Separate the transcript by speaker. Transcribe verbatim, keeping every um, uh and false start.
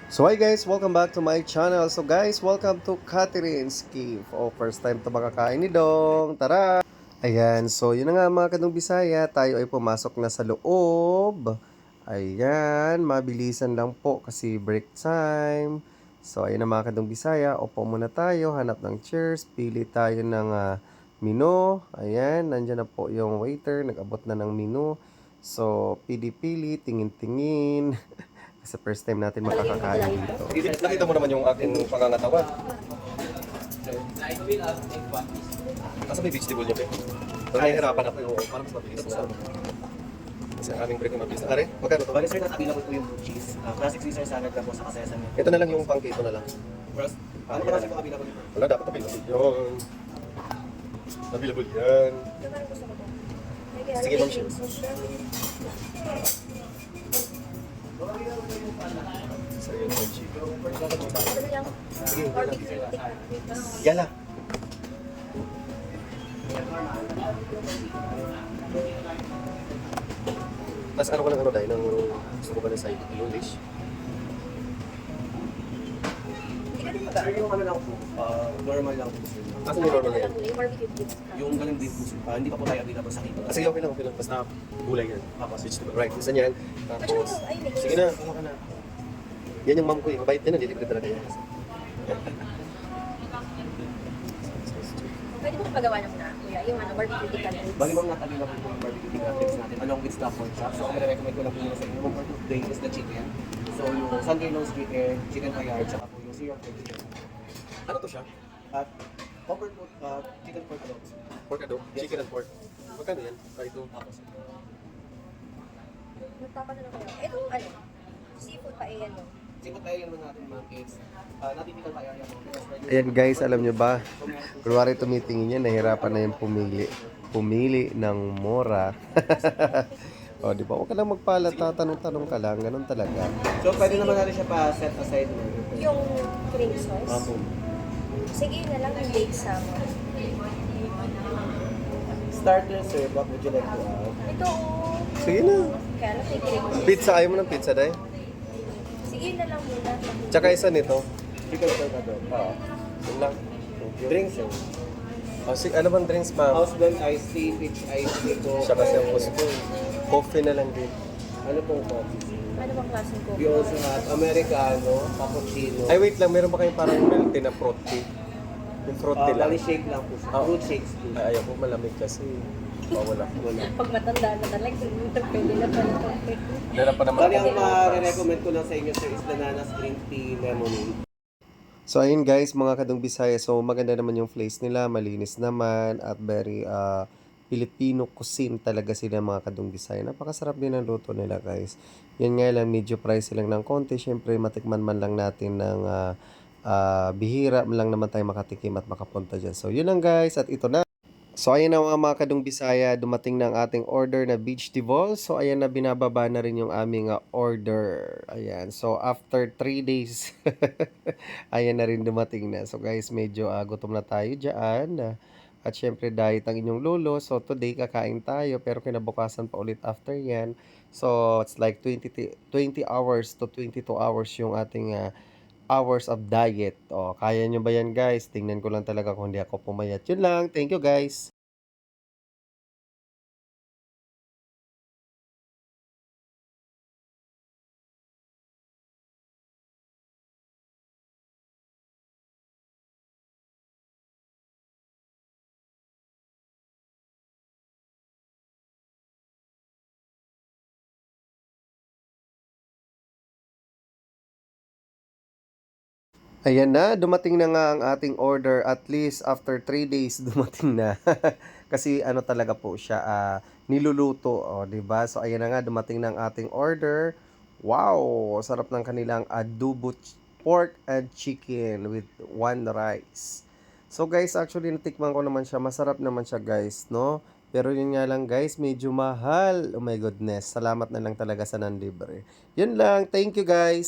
Speaker 1: So hi guys, welcome back to my channel. So guys, welcome to Catherine's Cave. Oh, first time to makakain ni Dong. Tara! Ayan, so yun na nga mga Kadong Bisaya, tayo ay pumasok na sa loob. Ayan, mabilisan lang po kasi break time. So ayan na mga Kadong Bisaya, upo muna tayo, hanap ng chairs, pili tayo ng uh, menu. Ayan, nandyan na po yung waiter, nag-abot na ng menu. So, pili-pili, tingin-tingin. Sa first time natin makakakain dito. Nakita mo naman yung aking pangangatawan. Nasa may vegetable niya, Pe. Pero nahihirapan ako yung parang mas mabilis na. Kasi ang aming break na mabilis na. Are, magkano to?
Speaker 2: Bali sir, nasa available po yung blue cheese. Uh, classic Caesar salad na po sa kasesame.
Speaker 1: Ito na lang yung pang keto na lang.
Speaker 2: First, ano pa kasi po available po?
Speaker 1: Wala, dapat available yun. Available yan. Sige, ma'am. Sa iyo, ma'am. Sige, yala. Tapos ano ka ng ano dahil ng gusto ko ba ng side yung dish?
Speaker 2: Sir, yung ano lang po, uh, normal lang po sir.
Speaker 1: Kasi yung normal na yan.
Speaker 2: Yung ganun din po sir. Uh, hindi pa po tayo available sa kito.
Speaker 1: Kasi okay lang, okay lang. Basta gulay yan.
Speaker 2: Tapos,
Speaker 1: Vegetable. Right, isa niyan. Tapos, sige na, kuha ka na. Yan yung mom ko eh. Mabait din, nalilibre talaga yan.
Speaker 3: Pwede mo pagawa na muna, kuya, yung ano, barbecue chicken.
Speaker 2: bali ma'am natin available po yung barbecue chicken wraps natin along with stock pork chop. So, ang recommend ko lang po muna sa inyo, for today is the chicken. So, yung Sunday nose chicken, chicken kayar, tsaka po yung syrup fried chicken.
Speaker 1: Ano to siya?
Speaker 2: At, covered po, uh, chicken pork adobo.
Speaker 1: Pork adobo? Chicken and pork. Magkano yan? Ah, ito.
Speaker 2: Tapos,
Speaker 3: Nagtapa na lang kayo. Ito, ano, seafood pa eh, ano.
Speaker 2: Seafood kaya yung natin ma'am is, uh, natypical kaya yan.
Speaker 1: Ayan guys, alam nyo ba? Kunwari tumitingin yan, nahirapan na yung pumili. Pumili ng mura. O, di ba? Huwag ka lang magpalata, tanong-tanong ka lang. Ganun talaga.
Speaker 2: So, pwede naman natin siya pa set aside mo.
Speaker 3: Yung cream sauce.
Speaker 2: Apo.
Speaker 3: Sige na lang yung baked salmon.
Speaker 2: Starter, sir, what would you like to add?
Speaker 3: Ito, oh.
Speaker 1: Sige na.
Speaker 3: Kaya lang may cream cheese.
Speaker 1: Pizza, ayaw mo ng pizza, day?
Speaker 3: Sige na lang muna.
Speaker 1: Tsaka isa nito.
Speaker 2: Chicken pork adobo.
Speaker 1: Oo. Yun lang. Thank you.
Speaker 2: Drink, sir.
Speaker 1: O, si, ano bang drinks, ma'am?
Speaker 2: House blend iced tea, peach iced tea ko.
Speaker 1: Siya kasi ang gusto. Coffee na lang din.
Speaker 2: Ano pong coffee, sir?
Speaker 3: Ano bang klaseng
Speaker 2: We
Speaker 3: coffee?
Speaker 2: also have Americano, cappuccino.
Speaker 1: Ay, wait lang. Meron ba kayong parang milk tea na fruit tea? Yung fruit
Speaker 2: Uh,
Speaker 1: tea lang.
Speaker 2: bali shake lang po, sir.
Speaker 1: Ah.
Speaker 2: Fruit shakes po.
Speaker 1: Ay, ayaw ko malamig kasi. Bawal ako.
Speaker 2: Wala.
Speaker 3: Pag matanda na talaga, pwede na pala coffee.
Speaker 1: Meron pa naman
Speaker 2: Bali, ang
Speaker 1: akong
Speaker 2: ma-recommend ko lang sa inyo, sir, is bananas green tea lemonade.
Speaker 1: So ayun guys, mga Kadong Bisaya, so maganda naman yung place nila, malinis naman at very uh, Filipino cuisine talaga sila mga Kadong Bisaya. Napakasarap din ang luto nila guys. Yan nga lang, medyo pricey lang ng konti. Siyempre matikman man lang natin ng uh, uh, bihira lang naman tayo makatikim at makapunta dyan. So yun lang guys, at ito na. So ayan na mga mga Kadong Bisaya, dumating na ang ating order na beach tibol. So ayan na, binababa na rin yung aming uh, order. Ayan, so after three days, ayan na rin dumating na. So guys, medyo uh, gutom na tayo dyan. Uh, at syempre diet ang inyong lolo. So today kakain tayo pero kinabukasan pa ulit after yan. So it's like twenty, twenty hours to twenty-two hours yung ating uh, hours of diet. O, kaya nyo ba yan guys? Tingnan ko lang talaga kung hindi ako pumayat. Yun lang. Thank you guys. Ayan na, dumating na nga ang ating order. At least after three days dumating na. Kasi ano talaga po siya, ah, niluluto, oh, 'di ba? So ayan na nga, dumating na ang ating order. Wow, sarap ng kanilang adobo ch- pork and chicken with one rice. So guys, actually natikman ko naman siya. Masarap naman siya, guys, no? Pero yun nga lang guys, medyo mahal. Oh my goodness. Salamat na lang talaga sa nanlibre. Yun lang. Thank you guys.